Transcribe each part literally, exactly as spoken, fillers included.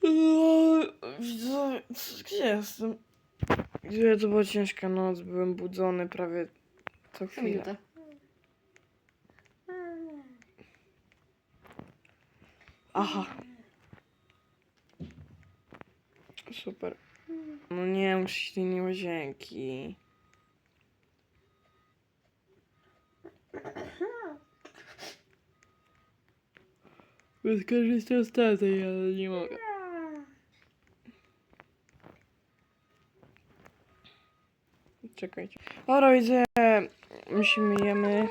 Widzowie, gdzie jestem? Gdzie to była ciężka noc, byłem budzony prawie co chwilę. Minutę. Aha. Super. No nie, muszę iść do innej łazienki. Wyskorzystam z taty, ale nie mogę. Czekajcie. Dobra, widzę. Musimy jemy.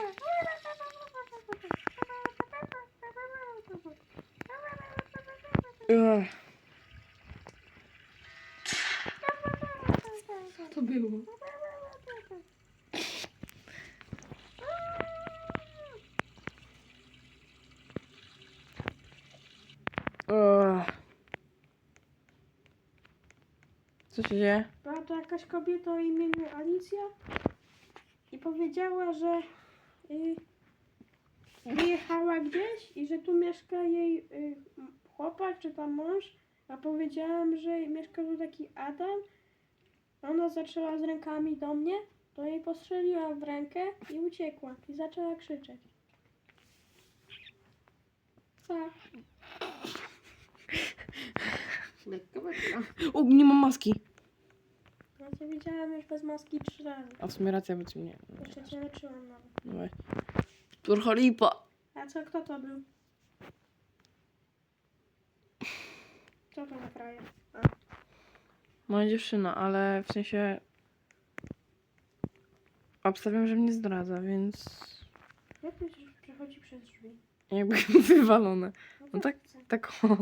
Ugh. Co to było? Ugh. Co się dzieje? Była to jakaś kobieta o imieniu Alicja i powiedziała, że y, wyjechała gdzieś i że tu mieszka jej y, chłopak czy tam mąż, a powiedziałam, że mieszka tu taki Adam. Ona zaczęła z rękami do mnie, to jej postrzeliła w rękę i uciekła i zaczęła krzyczeć. Tak. Lekko, lekko. O, nie mam maski. Ja cię widziałam już bez maski trzy razy. A w sumie racja, bo ci nie. Jeszcze cię leczyłam nawet. Dawaj. Turcha lipa. A co, kto to był? Co to za frajer? A. Moja dziewczyna, ale w sensie. Obstawiam, że mnie zdradza, więc. Jak myślisz, że przechodzi przez drzwi? Jakby wywalone. No tak, tak o.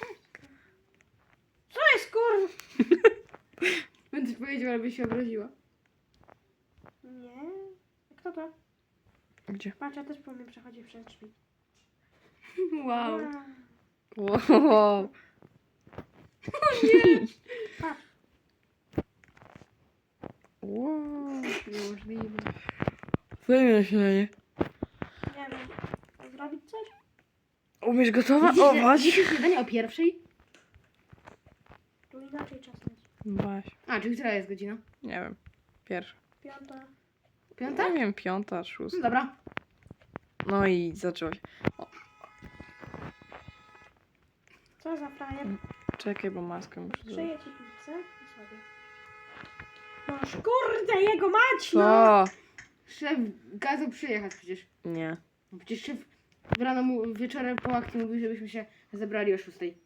Co jest kur... Będziesz powiedział, ale byś się obraziła. Nie. A kto to? Gdzie? Patrz, ja też powiem przechodzi przez drzwi. Wow. Wow. Patrz. Wow. Niemożliwe. Zajmę się na nie. Nie wiem. Zrobić coś? Umiesz gotować? Dzisiaj śniadanie o pierwszej? Tu inaczej czas leci. Baś. A, czyli która jest godzina? Nie wiem. Pierwsza. Piąta. Piąta? Nie wiem, piąta, No szósta. dobra. No i zaczęło się. Co za frajer? Czekaj, bo maskę muszę zrobić. Przyję ci pizzę i sobie. Noż kurde, jego mać, no! Co? Szef kazał przyjechać przecież. Nie. No przecież szef w rano mu, wieczorem po akcji mówił, żebyśmy się zebrali o szóstej.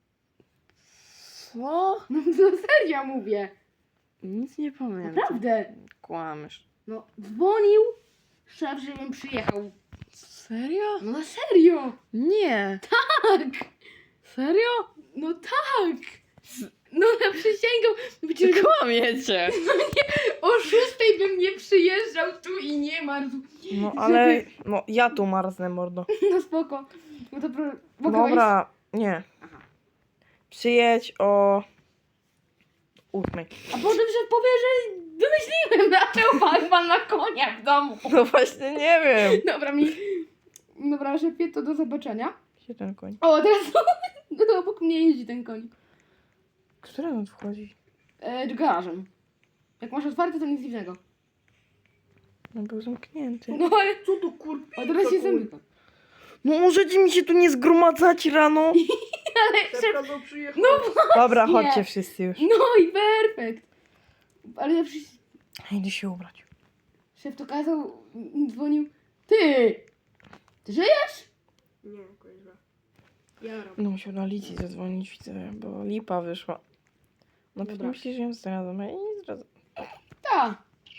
Co? No to serio mówię. Nic nie pamiętam. Naprawdę. Kłamiesz. No dzwonił szef, żebym przyjechał. Serio? No na serio. Nie. Tak. Serio? No tak. No ja przysięgam. Przecież Kłamiecie. o szóstej bym nie przyjeżdżał tu i nie marzł. No ale, no ja tu marznę, mordo. No spoko. No to pro... mogę Dobra, nie. Aha. Przyjedź o ósmej. wejść? A potem szef powie, że wymyśliłem, dlaczego pan ma na konia w domu. No właśnie nie wiem. Dobra mi. Dobra, szefie, to do zobaczenia. Gdzie ten koń? O, teraz no, obok mnie jeździ ten koń. Który on wchodzi? E, garażem. Jak masz otwarte, to nic dziwnego. No był zamknięty. No ale... Co to kur... O, teraz się zamyka. No możecie mi się tu nie zgromadzać rano? Ale szef... kazał przyjechać. No, Dobra, Nie. chodźcie wszyscy już. no i perfekt. Ale ja przecież... Idę się ubrać. Szef to kazał, m, dzwonił. Ty! Ty żyjesz? Nie, kuźwa. Ja robię. No musiał na Licji zadzwonić, widzę, bo lipa wyszła. No pewnie Dobra. myśli, że ją zdradzam, a ja nie zdradzam. Tak.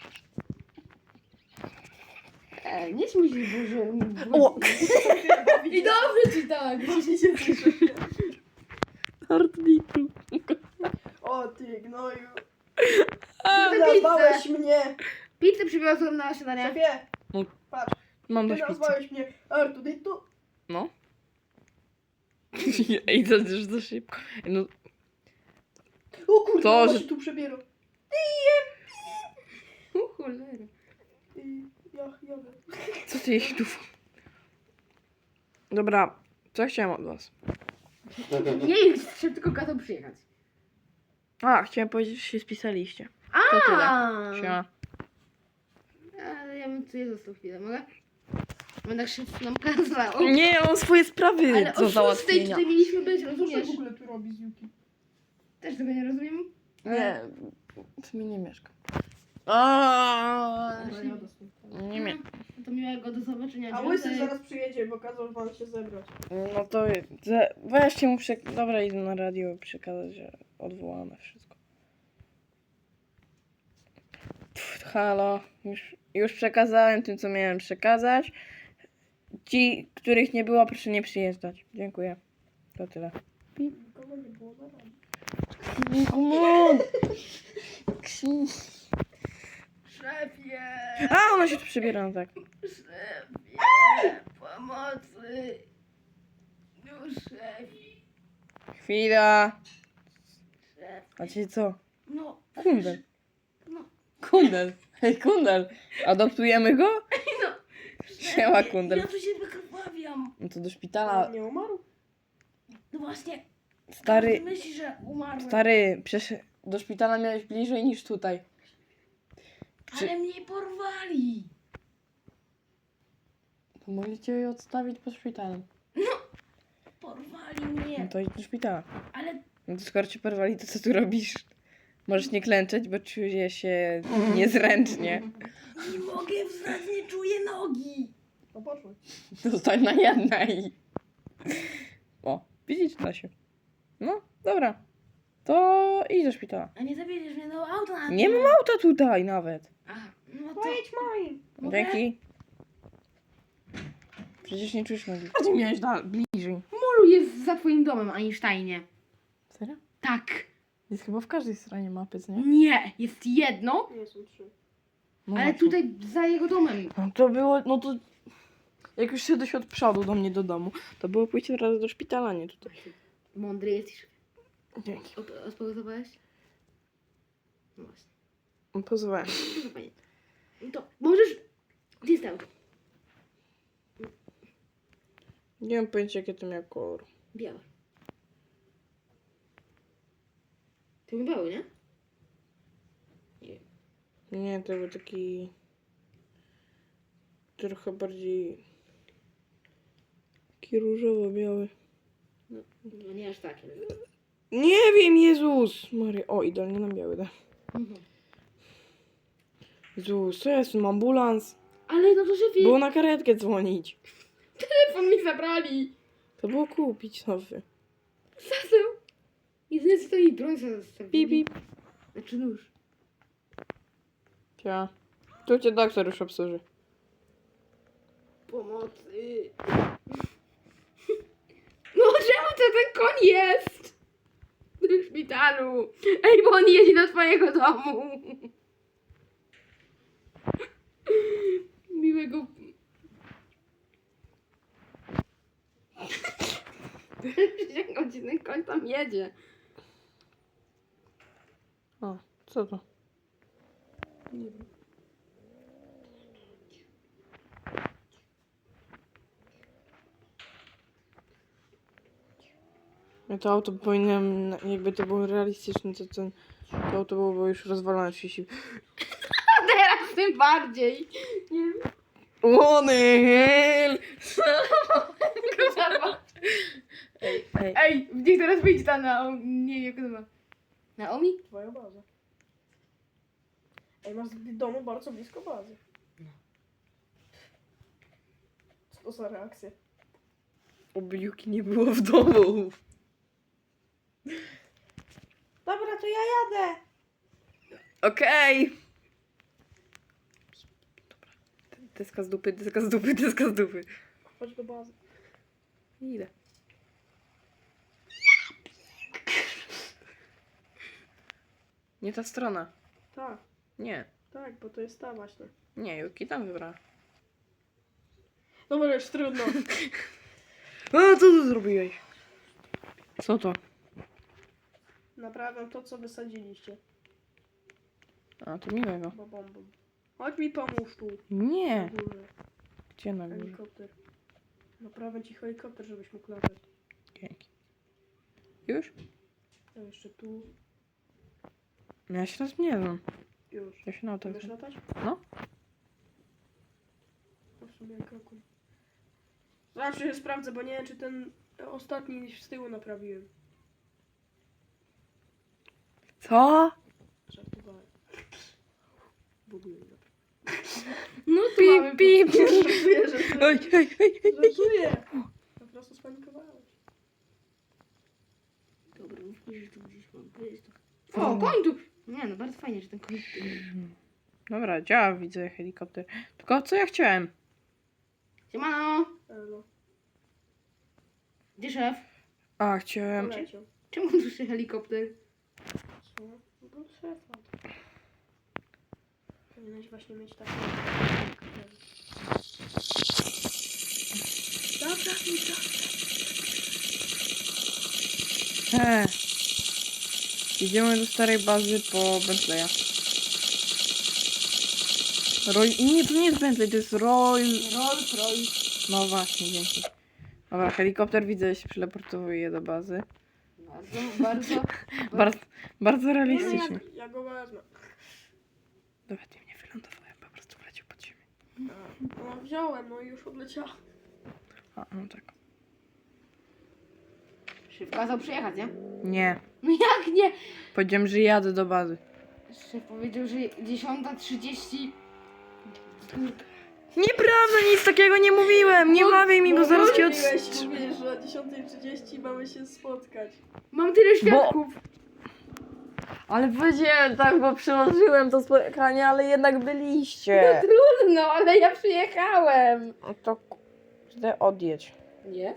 E, nie śmiej się, Boże. O! I dobrze ci tak. Właśnie się cieszę. Artniku. O ty gnoju. Ty Nazwałeś mnie. Pizzę przywiozłem na śniadanie. Szefie. No. Patrz, Mam ty dość pizzy. nazwałeś mnie Artuditu. No. Ej, to już za szybko. No, O kurde, To, to, że- się tu przebierał. O cholera. I ja, ja wiem. co ty jeść tu? Dobra, co chciałem od was? Nie jest, że tylko kazał przyjechać. A, chciałem powiedzieć, że się spisaliście. A! To tyle. Siema. Ale ja bym tutaj został chwilę, mogę? Będę tak szef nam kazał. Nie, ja mam swoje sprawy Ale do o szóstej załatwienia. tutaj mieliśmy być, Co się rozumiesz? w ogóle tu robi z Yuki? Też tego nie rozumiem. Nie, w mi nie mieszkam. A, Dobra, ja dostęp. nie mie- No to miłego do zobaczenia. A Dziękuję. Łysy zaraz przyjedzie, bo kazał wam się zebrać. No to ze- weźcie mu przek... Dobra, idę na radio przekazać, że odwołane wszystko. Pff, halo, już, już przekazałem tym, co miałem przekazać. Ci, których nie było, proszę nie przyjeżdżać. Dziękuję. To tyle. Nikogo nie było na razie. Come on! Szefie! A, ona się tu przybiera, no tak. Szefie! Pomocy! No szefie! Chwila. Szef. A ci co? No. Kundel. No. Kundel. Hej, kundel. Adoptujemy go? No. Siema, kundel. Ja tu się wykrwawiam. No to do A szpitala. nie umarł? No właśnie. Stary, Myśli, że umarłem. stary, przecież do szpitala miałeś bliżej niż tutaj. Czy... Ale mnie porwali. To mogli cię odstawić pod szpitalem. Porwali No mnie. to idź do szpitala. Ale No to skoro cię porwali, to co tu robisz? Możesz nie klęczeć, bo czuję się niezręcznie. nie mogę wstać, nie czuję nogi. No poszło. Zostań na jednej. O, widzisz, da się. No, dobra. To idź do szpitala. A nie zawiedziesz mnie do auta. Nie mam auta tutaj nawet. Aha, no to... Pojedź moim. Mogę? Dzięki. Przecież nie czujesz nogi. A ty miałeś da- bliżej. Molu jest za twoim domem, Einsteinie. Serio? Tak. Jest chyba w każdej stronie mapy, co nie? Nie, jest jedno, Nie są trzy. No ale właśnie. tutaj za jego domem. No to było, no to... Jak już szedłeś od przodu do mnie do domu, to było pójście od razu do szpitala, nie tutaj. Mądry jesteś. Dzięki. Op- Odpowiedziałeś? No właśnie. Pozwałem. No fajnie. No to możesz... Gdzie jest auto? Nie mam pojęcia, jakie to miał kolor. Białe. To był biały, nie? Nie, to był taki... Trochę bardziej... Taki różowo-biały. No, no nie aż taki. Nie wiem, Jezus! Maria, o, idealnie na biały, da. Mhm. Jezus, co jest? Mam ambulans. Ale no to szefie, Było na karetkę dzwonić. telefon mi zabrali. To było kupić nowy. Zaseł. Jedyne co to i broń zostawili. Pip, pip. Znaczy nóż. Cia. Tu cię doktor już obsłuży. Pomocy. No czemu to ten koń jest? W szpitalu. Ej, bo on jedzie do twojego domu. Miłego... Godzinny koń tam jedzie. O, co to? Nie wiem. Ja to auto powinienem, jakby to było realistyczne, to ten, to auto byłoby już rozwalone w sieci. A teraz tym bardziej. Nie wiem. Łony! Ej, ej. Ej, niech teraz wyjdzie ta na... Nie wiem jak to ma. Naomi? Twoja baza. Ej, masz w domu bardzo blisko bazy. Co to za reakcja? Oby Yuki nie było w domu. Dobra, to ja jadę. Okej. Dobra. Deska z dupy, deska z dupy, deska z dupy. Chodź do bazy. Idę. Nie ta strona. Tak, Nie. tak, bo to jest ta właśnie. Nie, Yuki tam wybrała. Dobra, już trudno. A co tu zrobiłeś? Co to? Naprawiam to, co wysadziliście. A, to miłego. Bo bombą. Chodź mi pomóż tu. Nie. Na górze. Gdzie na górze? Helikopter. Naprawię ci helikopter, żebyś mógł latać. Dzięki. Już? A jeszcze tu. No ja się raz nie znam. Już. Ja się na to Umiesz znam. latać? No. No w sumie kroku. Zawsze się sprawdzę, bo nie wiem, czy ten ostatni z tyłu naprawiłem. Co? Żartowałem. W ogóle nie naprawiłem. No to mamy Pip, pip. Żartuję, żartuję. Oj, oj, oj, oj. Żartuję. Po prostu spanikowałeś. Dobra, myślę, że tu gdzieś mam. Jest to. O, koń tu! Nie no, bardzo fajnie, że ten koń tu jest. Dobra, działa, widzę helikopter. Tylko co ja chciałem? Siemano! Elo. Gdzie szef? A, chciałem... Poleciał. Czemu tu się helikopter? Co? No bo szefa. Powinieneś właśnie mieć takie... Dobra, dobra. He. Idziemy do starej bazy po Bentleya. Roy... Nie, to nie jest Bentley, to jest Roy... Rolls Royce. No właśnie, dzięki. Dobra, helikopter widzę, się przyleportowuje do bazy. Bardzo, bardzo. Bardzo, bardzo Nie no, realistycznie. ja, ja go wezmę. Dobra, ty mnie wylądowałem, po prostu wleciał pod ziemię. No wziąłem, no i już odleciałem. A, no tak. Szef kazał przyjechać, nie? Nie. No jak nie? Powiedziałem, że jadę do bazy. Szef powiedział, że dziesiąta trzydzieści. Nieprawda, nic takiego nie mówiłem! Nie mawiaj mi, bo zaraz cię od... Mówiłeś, mówisz, że o dziesiątej trzydzieści mamy się spotkać. Mam tyle świadków. Ale powiedziałem tak, bo przełożyłem to spotkanie, ale jednak byliście. Trudno, ale ja przyjechałem. No to kurde, odjedź. Nie?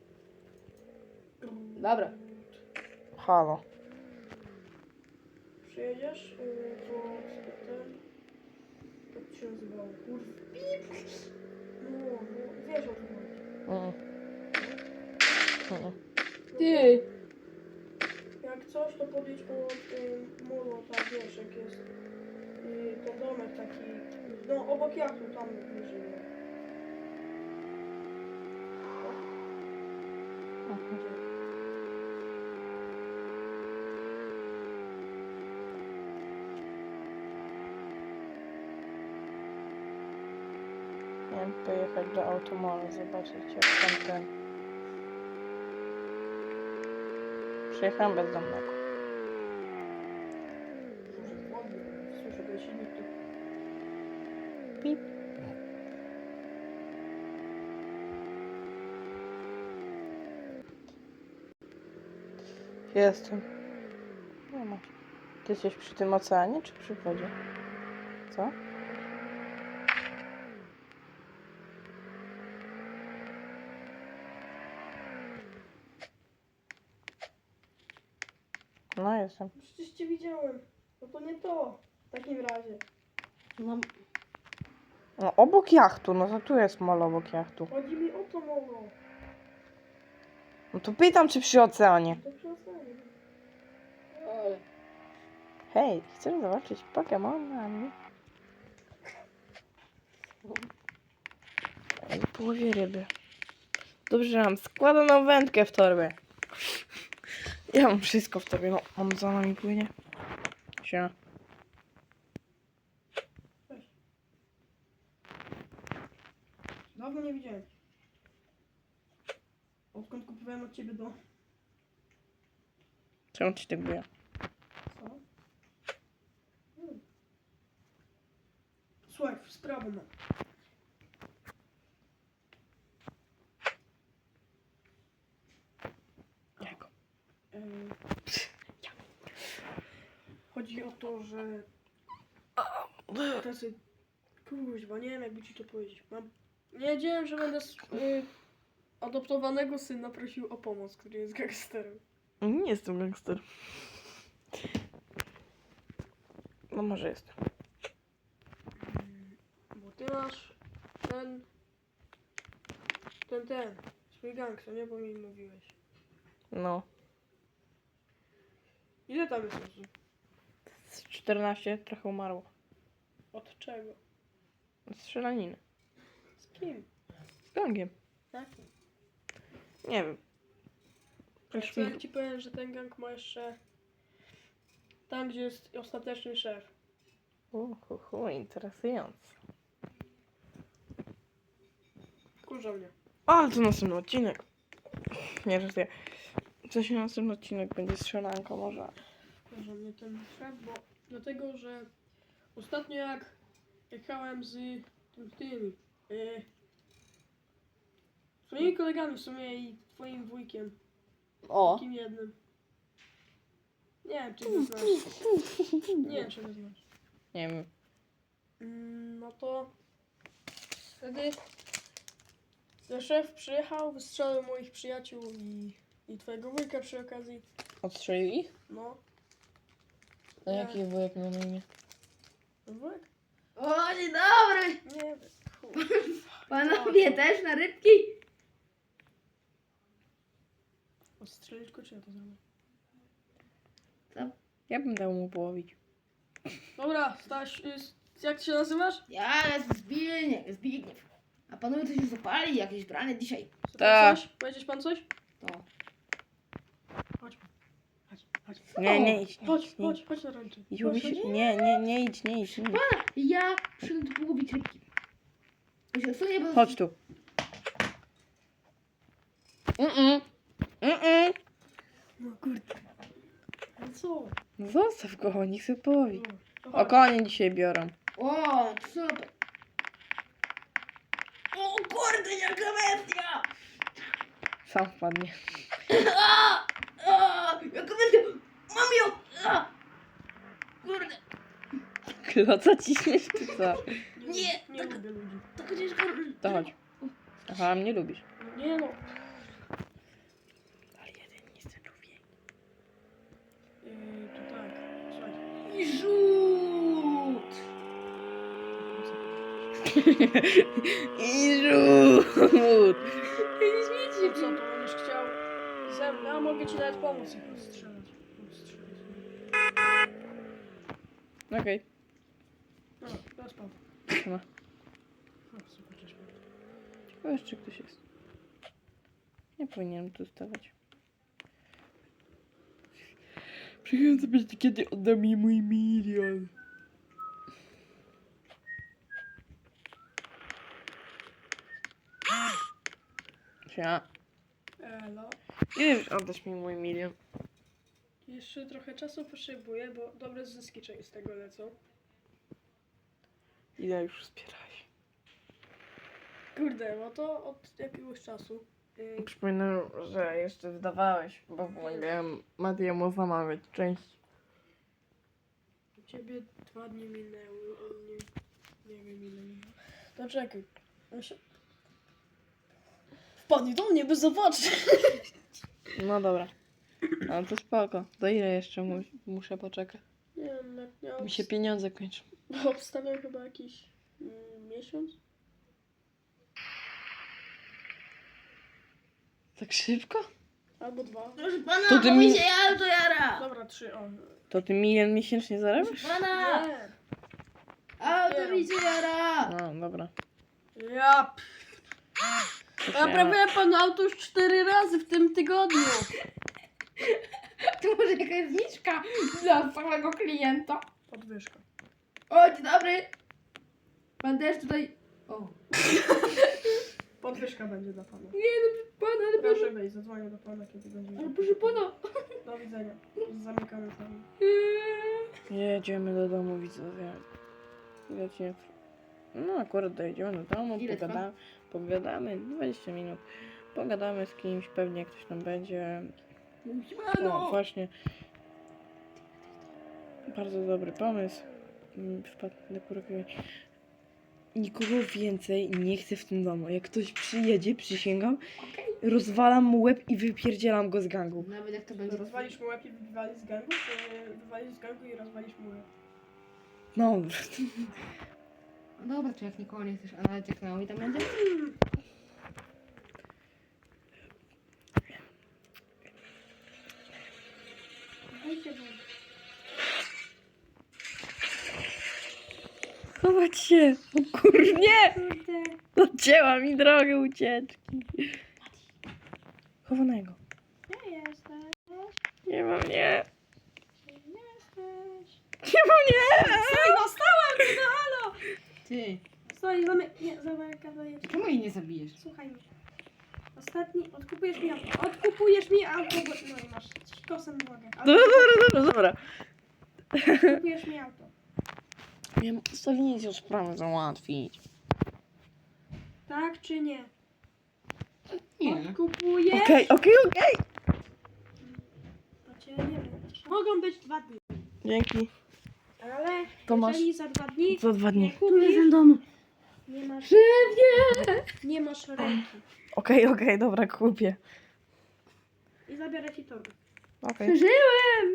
Dobra. Halo. Przyjedziesz? Yy, to ten... Jak to się nazywało? Kurwa. Pip! No, no, wiesz o tym chodzi. Mm. Mm. Ty. Jak coś, to podjedź po y, molo, tam wiesz, jak jest y, ten domek taki, no obok jachtu, tam bliżej. Mhm. Miałem pojechać do Automola, zobaczyć jak tam ten... Przyjechałem bezdomnego. Może wodny, słyszę go silnik tu. Pip. Jestem. Nie ma. Ty jesteś przy tym oceanie, czy przy wodzie? Co? No jestem. Przecież cię widziałem. No to nie to. W takim razie. Mam... No obok jachtu, no to tu jest mol obok jachtu. Chodzi mi o to molo. No to pytam, czy przy oceanie. To przy oceanie. Ale... Hej, chcesz zobaczyć Pokemonami? W połowie ryby. Dobrze, że mam składaną wędkę w torbie. Ja mam wszystko w torbie. No, on za nami płynie. Siema. Dawno nie widziałem. Odkąd kupowałem od ciebie do... Czemu ci tak było? Co? Hmm. Słuchaj, sprawę mam. Jako. Em, Chodzi o to, że... Tacy... Kuźwa, nie wiem jakby ci to powiedzieć. Mam... Nie wiedziałem, że będę s- y, adoptowanego syna prosił o pomoc, który jest gangsterem. Nie jestem gangster. No może jestem. Bo ty masz ten... Ten, ten. Swój gang, co nie? Bo mi mówiłeś. No. Ile tam jest osób? Z czternaście trochę umarło. Od czego? Z strzelaniny. Z kim? Z gangiem. Tak? Nie wiem. Proszę Co mi- jak ci powiem, że ten gang ma jeszcze tam, gdzie jest ostateczny szef. Uhuhu, interesujące. Kurza mnie. Ale to następny odcinek. Nie, że ja. Co się następny odcinek będzie strzelanko może. Kurza mnie ten szef, bo dlatego, że ostatnio jak jechałem z tym tymi yy, swoimi kolegami w sumie i twoim wujkiem. O! Takim jednym. Nie wiem, czy go znasz. Nie wiem, czy go znasz. Nie wiem. Mm, no to wtedy ten szef przyjechał, wystrzelił moich przyjaciół i, i twojego wujka przy okazji. Odstrzelił ich? No. A Nie. jaki wujek miał na imię? Wujek? O, dzień dobry! Nie wiem. Chuj. Panowie też na rybki? Odstrzelić go, czy ja to zrobię? Co? Ja bym dał mu połowić. Dobra, Staś, y, jak ty się nazywasz? Ja jestem Zbigniew. Zbigniew. A panowie coś się zapali? Jakieś branie dzisiaj? Co Tak. Coś? Powiedzieć pan coś? To. Chodź. Chodź, chodź. Nie, nie idź. Nie, Chodź, idź, nie, chodź, chodź na ręce. idź. Chodź, Lubisz? chodź. Nie, nie, nie idź, nie idź. Nie idź. Pana, ja przyszedłem tu połowić rybki. Bo się odsunie, bo... Chodź tu. Mm-mm. Mm-mm. No kurde. No co? No zostaw go, niech sobie połowi. No, to O, chodź. konie dzisiaj biorą. O, super. O kurde, jaka bestia! Sam wpadnie. A, a, jaka bestia! Mam ją! A, kurde, Kloca ciśniesz czy co? Nie, Nie tak- lubię ludzi. taka ciężka... To chodź. Aha, mnie lubisz. No nie no. Ale jeden nie chce człowiek. Yy, to tak. Słuchaj. I rzut! I rzut! Nie śmiejcie To co, to będziesz chciał ze mną? Ja mogę ci nawet pomóc ich odstrzelać. Odstrzelać. Okej, No, teraz pan. okay. O, super, cześć pan. Ciekawe, czy ktoś jest. Nie powinienem tu stawać. Przyjechałem zobaczyć, kiedy odda mi mój milion. Siema. Elo. Ile już oddasz mi mój milion? Jeszcze trochę czasu potrzebuję, bo dobre zyski cze- z tego lecą. Ile już zbierałeś? Kurde, no to od jakiegoś czasu. Yy, Przypominam, że jeszcze wydawałeś, bo pomagałem Matiemu zamawiać część. u ciebie dwa dni minęły, u mnie nie wiem ile minęło. To czekaj. Muszę... Wpadnij do mnie, by zobaczyć. No dobra. Ale to spoko. Do ile jeszcze mu muszę poczekać? Nie wiem, jak miał... Mi się pieniądze kończą. Obstawiam chyba jakiś mm, miesiąc. Tak szybko? Albo dwa. Proszę pana, To to ty mi mi- się ja to jara! Dobra, trzy, o. To ty milion miesięcznie zarabiasz? Proszę pana, Nie. a to mi się jara! No, dobra. Ja p... To się- Naprawiałem panu auto już cztery razy w tym tygodniu. To może jakaś zniżka dla całego klienta? Podwyżka. O, dzień dobry! Pan też tutaj... O. Podwyżka będzie dla pana. Nie no, proszę pana, ale proszę... Proszę wejść, zadzwonię do pana, kiedy będzie. Ale proszę pana... Do widzenia. Zamykamy z nami. Jedziemy do domu, widzowie. Ile ci... No akurat dojedziemy do domu, Ile trwa? pogadamy, pogadamy, dwadzieścia minut. Pogadamy z kimś, pewnie ktoś tam będzie. O, Siemano! właśnie. Bardzo dobry pomysł. Mm, Wpadł na kurkę. Nikogo więcej nie chcę w tym domu. Jak ktoś przyjedzie, przysięgam, rozwalam mu łeb i wypierdzielam go z gangu. Nawet jak to będzie... Rozwalisz mu łeb i wywalisz z gangu, czy wywalisz z gangu i rozwalisz mu łeb? No, No dobra, to jak nikogo nie chcesz, a nawet jak Naomi tam będzie? Dajcie wam. chować się. O kurnie! Kurde. Odcięła mi drogę ucieczki. Chowanego. Ja jest. Nie ma mnie. Gdzie jesteś? Nie ma mnie. Stoj, dostałam cię, no halo! Ty, Stoj, zamy... Nie, zamykaj. czemu jej nie zabijesz? Słuchaj mnie. Ostatni, odkupujesz mi auto. Odkupujesz mi auto, bo... No i masz kosem nogę. Dobra, dobra, dobra, dobra. Odkupujesz mi auto. Wiem, ustawienie sprawę załatwić. Tak czy nie? Nie. Odkupujesz? Okej, okej, okej. To cię nie wiem. Mogą być dwa dni. Dzięki. Ale To masz- jeżeli za dwa dni Za dwa nie dni. kupisz, dom. nie masz, Szefie! nie masz ręki. Okej, okej, dobra, kupię. I zabiorę ci torbę. Okej. Przeżyłem!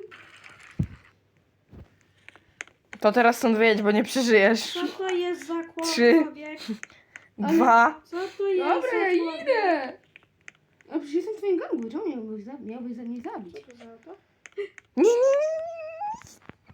To teraz stąd wyjedź, bo nie przeżyjesz. Co to jest za Trzy. człowiek? Dwa. Co to jest Dobra, za ja człowiek? idę! A przecież jestem w twoim gangu, czemu miałbyś, za, miałbyś za mnie zabić? Co to za auto? Nie, nie, nie.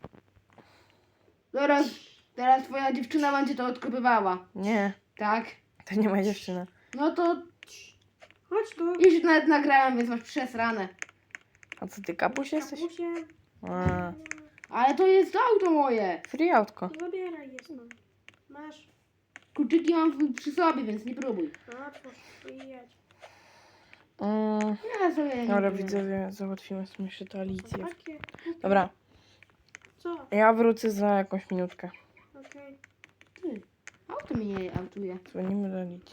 Teraz, teraz twoja dziewczyna będzie to odkopywała. Nie, Tak? to nie moja dziewczyna. No to Chodź tu. już nawet nagrałem, więc masz przesrane. A co ty, kapuś jesteś? Kapusie. A, Ale to jest auto moje. free autko. Zabieraj je stąd. Masz. Kluczyki mam w- przy sobie, więc nie próbuj. Otwórz i jedź. Mm, Ja sobie nie dobra, próbuję. widzowie, załatwimy sobie jeszcze tę Alicję. Takie. Dobra, Co? ja wrócę za jakąś minutkę. Okej. Ty, auto mnie nie autuje. Dzwonimy do Alicji.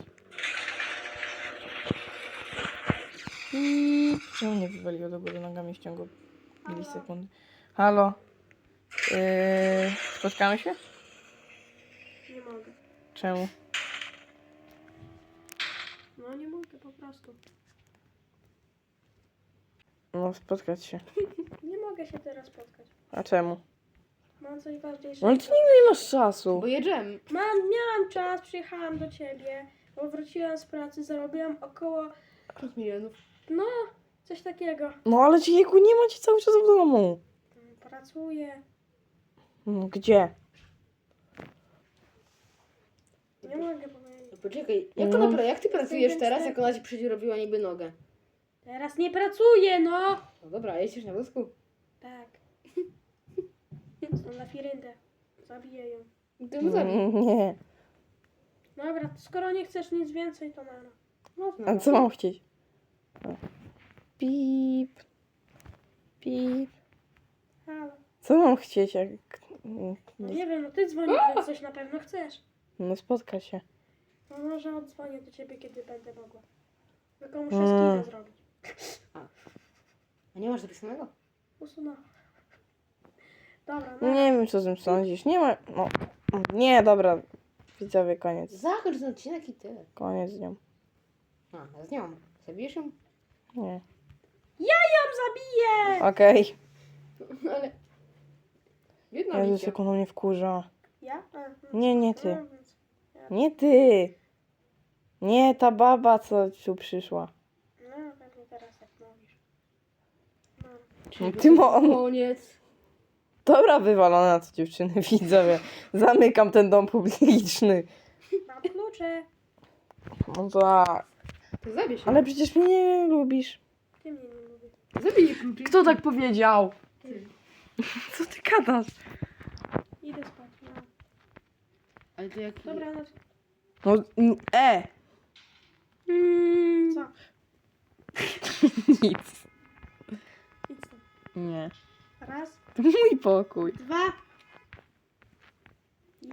I czemu nie wywaliło do góry nogami, ściągu milisekundy? Halo? Yy, spotkamy się? Nie mogę. Czemu? No nie mogę po prostu. No, spotkać się. Nie mogę się teraz spotkać. A czemu? Mam coś No ważniejszego. ale ty nigdy nie masz czasu. Bo jedziemy. Mam, miałam czas, przyjechałam do ciebie, bo wróciłam z pracy, zarobiłam około, pięć milionów. no, coś takiego. No ale ci jego nie ma ci cały czas w domu. Mm, Pracuję. No, gdzie? Nie mogę powiedzieć. No poczekaj, jak, No. ona, pra- jak ty pracujesz Jestem teraz, wstęp- jak ona ci przedziurowiła niby nogę? Teraz nie pracuję, no! No dobra, jeździsz na wózku. Tak. Są na firyndę. Zabiję ją. Ty mu zabij. Nie. Dobra, skoro nie chcesz nic więcej, to nara. No, A co mam chcieć? O. Pip. Pip. Halo. Co mam chcieć, jak... No nie wiem, no ty dzwonisz, więc coś na pewno chcesz. No spotka się. No może odzwonię do ciebie, kiedy będę mogła. Tylko muszę Mm. skillę zrobić. A nie masz zapisanego? Usunąłem. Dobra, no. Nie wiem, co z tym sądzisz. Nie ma... No. Nie, dobra. Widzowie, koniec. Zachodź na odcinek i tyle. Koniec z nią. A, z nią. Zabijesz ją? Nie. Ja ją zabiję! Okej. Ale... Jedna Jezus, bicia. jak ona mnie wkurza. Ja? A, no. Nie, nie ty. No, więc- Nie ty. Nie, ta baba, co tu przyszła. No, pewnie teraz jak mówisz. No. No, ty mo... Koniec. Dobra, wywalona to dziewczyny, widzowie. Zamykam ten dom publiczny. Mam klucze. No tak. To zabij się. Ale przecież mnie nie lubisz. Ty mnie nie lubisz. Zabij jej kluczyk. Kto tak powiedział? Ty. Co ty gadasz? Idę spać, no. Ale to jak... Dobra, no. No, n- e! Co? Nic. Idź stąd. Nie. Raz, To mój pokój. dwa. I...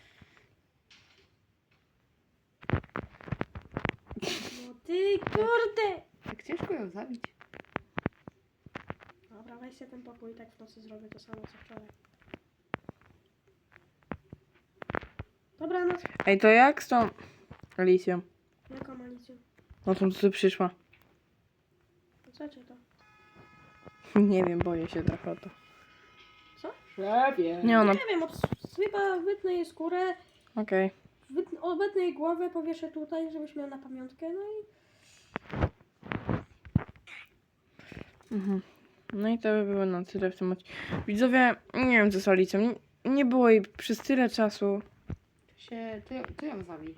No ty kurde! Tak ciężko ją zabić. Dobra, weź się ten pokój, tak w nocy zrobię to samo co wczoraj. Dobra, no. Ej, to jak z tą Alicją? Jaką Alicją? No tą, co tu przyszła? No co cię to? Nie wiem, boję się trochę o to. Szefie. Nie, ona... Nie wiem, od, chyba wytnę jej skórę, Okej. wytnę, obetnę jej głowę, powieszę tutaj, żebyś miał na pamiątkę, no i... Mhm. No i to by było na tyle w tym odcinku. Widzowie, nie wiem co z Alicją. Nie, nie było jej przez tyle czasu. To się... To, ją- to ją zabij.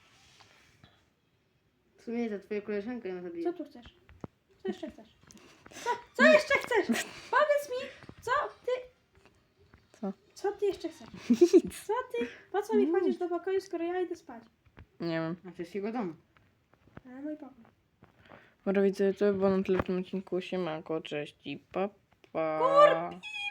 W sumie za twoją koleżankę ją Co zabiję. tu chcesz? Co jeszcze chcesz? Co, co jeszcze chcesz? Powiedz mi, co ty... Co? Co ty jeszcze chcesz? Nic. Co ty? Po co mi wchodzisz do pokoju, skoro ja idę spać? Nie wiem. A to jest jego dom. A mój pokój. Dobra, widzę, to by było na tyle w tym odcinku. Siemanko, cześć i pa, pa.